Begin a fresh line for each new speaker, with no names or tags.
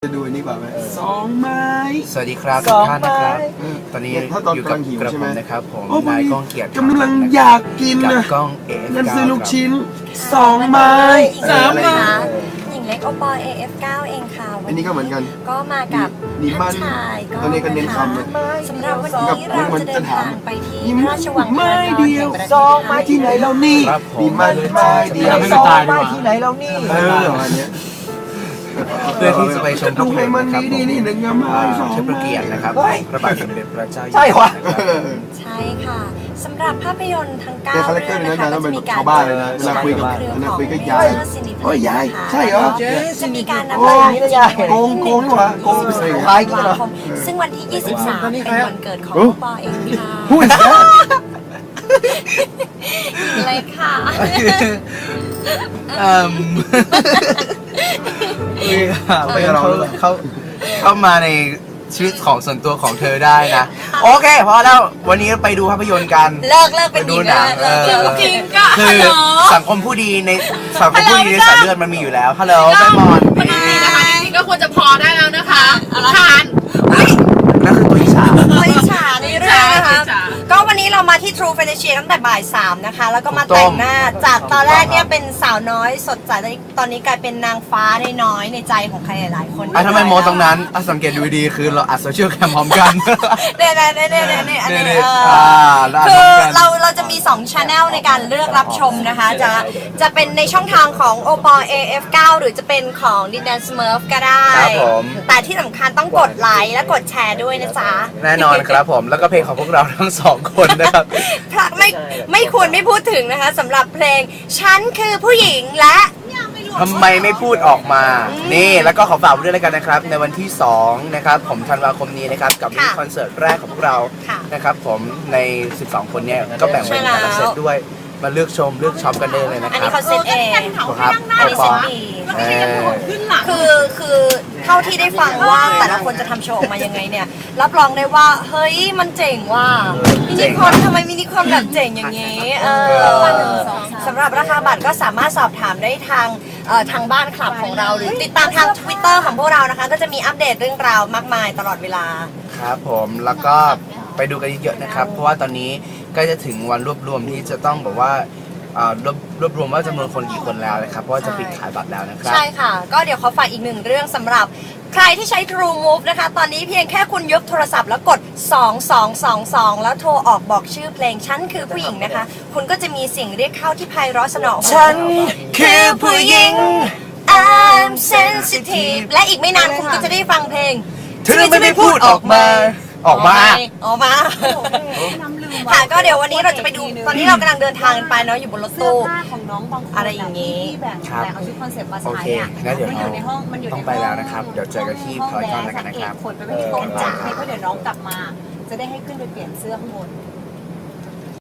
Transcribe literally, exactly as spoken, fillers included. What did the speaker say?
จะดูอันนี้กว่าไหมสองไม้
สวัสดีครับทุกท่านนะครับตอนนี้อยู่กับกระผมนะครับผมนายก้องเกียรติ
กำลังอยากกินนะ
ก้องเอฟ
นั่นซื้อลูกชิ้นสองไม้สามไม้
หญิงเล็กโอปอ เอ เอฟ เก้า เองค่ะ
อันนี้ก็เหมือนกัน
ก็มากับท่านชายก็
ตอนนี้ก็เน้นคำ
สำหรับวันนี้เราจะเดินทางไปที่พระราชวัง
ไม้เดียวสองไม้ที่ไหนเรานี่นี่มันไม้เดียวสองไม้ที่ไหนเรานี่เอออันนี้
เพื่อที่จะไปชม
ดูให้มันดีดีนี่หนึ่งงามสอง
เชิญพระเกียรตินะครับพระบาทสมเด็จพระเจ้าอยู่หัว
ใช่วะ
ใช่ค่ะสำหรับภาพยนตร์ทั้งเก้า
เรื่องนะคะก็จะมีการชาวบ้านเลยนะเวลาคุยกับเวลาคุยกับยายโอ้ยยายใช่เหรอ
จะมีการนำ
โอ้ยโกงโกงนี่หว่าโกงใส่คล้ายกันเหรอ
ซึ่งวันที่ยี่สิบสามเป็นวันเกิดของปอเองค่ะ
พูด
อะไรค่ะ
เอ่อไปเราเขาเข้ามาในชีวิตของส่วนตัวของเธอได้นะโอเคพอแล้ววันนี้ไปดูภาพยนตร์กัน
เลิกเลิกเป็น
ดูหนังจริงก็คือสังคมผู้ดีในสังคมผู้ดีในสายเลือดมันมีอยู่แล้วฮัลโหลแม่มอน
นี่นะคะจริงๆก็ควรจะพอได้แล้วนะคะทาน
นั่นคือตัวอิจฉา
ตัวอิจฉาในเรื่องนะคะก็วันนี้เรามาที่ True Fantasy ตั้งแต่บ่ายสามนะคะแล้วก็มาแต่งหน้าจากตอนแรกเนี่ยเป็นสาวน้อยสดใสตอนนี้กลายเป็นนางฟ้าน้อยในใจของใครหลายๆคน
อ่ะทำไมโมตรงนั้นสังเกตดูดีคือเราอัดโซเชียลแคมพร้อมกัน
เนี่ยเนี่ยเนี่ยเนี่ยเนี่ยอันนี้
คื
อเราเราจะมีสอง channel ในการเลือกรับชมนะคะจะจะเป็นในช่องทางของ โอ ปอ เอ เอฟ เก้า หรือจะเป็นของดินแดนสเมิร์ฟก็ได้แต่ที่สำคัญต้องกดไลค์และกดแชร์ด้วยนะจ๊ะ
แน่นอนครับผมแล้วก็เพลงของพวกเราทั้งสองคนนะครับ
ไม่ไม่ควรไม่พูดถึงนะคะสำหรับเพลงฉันคือผู้หญิงและ
ทำไมไม่พูดออกมานี่แล้วก็ขอฝากด้วยแล้วกันนะครับในวันที่สองนะครับผมธันวาคมนี้นะครับกับคอนเสิร์ตแรกของพวกเรานะครับผมในสิบสองคนเนี่ยก็แบ่งเป็นแต่ละเซตด้วยมาเลือกชมเลือกช็อปกันได้เลยนะครับ
อันนี้เขาเซตเอง
ครับ
อันนี้เซตดีคือคือเท่าที่ได้ฟังว่าแต่ละคนจะทำโชว์ออกมายังไงเนี่ยรับรองได้ว่าเฮ้ยมันเจ๋งว่ามินิคอนทำไมมินิคอนแบบเจ๋งอย่างนี้เออสำหรับราคาบัตรก็สามารถสอบถามได้ทางทางบ้านคลับของเราหรือติดตามทาง ทวิตเตอร์ ของพวกเรานะคะก็จะมีอัปเดตเรื่องราวมากมายตลอดเวลา
ครับผมแล้วก็ไปดูกันเยอะๆนะครับเพราะว่าตอนนี้ใกล้จะถึงวันรวบรวมที่จะต้องบอกว่ารวบรวบรวมว่าจำนวนคนกี่คนแล้วนะครับเพราะว่าจะปิดขายบัตรแล้วนะครับ
ใช่ค่ะก็เดี๋ยวขอฝากอีกหนึ่งเรื่องสำหรับใครที่ใช้ True Move นะคะตอนนี้เพียงแค่คุณยกโทรศัพท์แล้วกดสอง สอง สอง สองแล้วโทรออกบอกชื่อเพลงฉันคือผู้หญิงนะคะคุณก็จะมีเสียงเรียกเข้าที่ไพเราะสนอ
ฉันคือผู้หญิง
I'm sensitive และอีกไม่นานคุณก็จะได้ฟังเพลง
เธอไม่ได้พูดออกมาออกมา
ออกมาค่ะก็เดี๋ยววันนี้เราจะไปดูตอนนี้เรากำลังเดินทางกันไปเนาะอยู่บนรถตู้
ของน้องบางคน
อะไรอย่างนี้
ที่แบบแต่เอาชุดคอนเซ็ปต์มาใช้
เนี่ยงั้นเดี๋ยวเราต้องไปแล้วนะครับเดี๋ยวเจอกันที่พารากอนแล้วกันนะครับ
คนไปไม่ถึงกองจ่ายเพราะเดี๋ยวน้องกลับมาจะได้ให้ขึ้นไปเปลี่ยนเสื้อข้างบน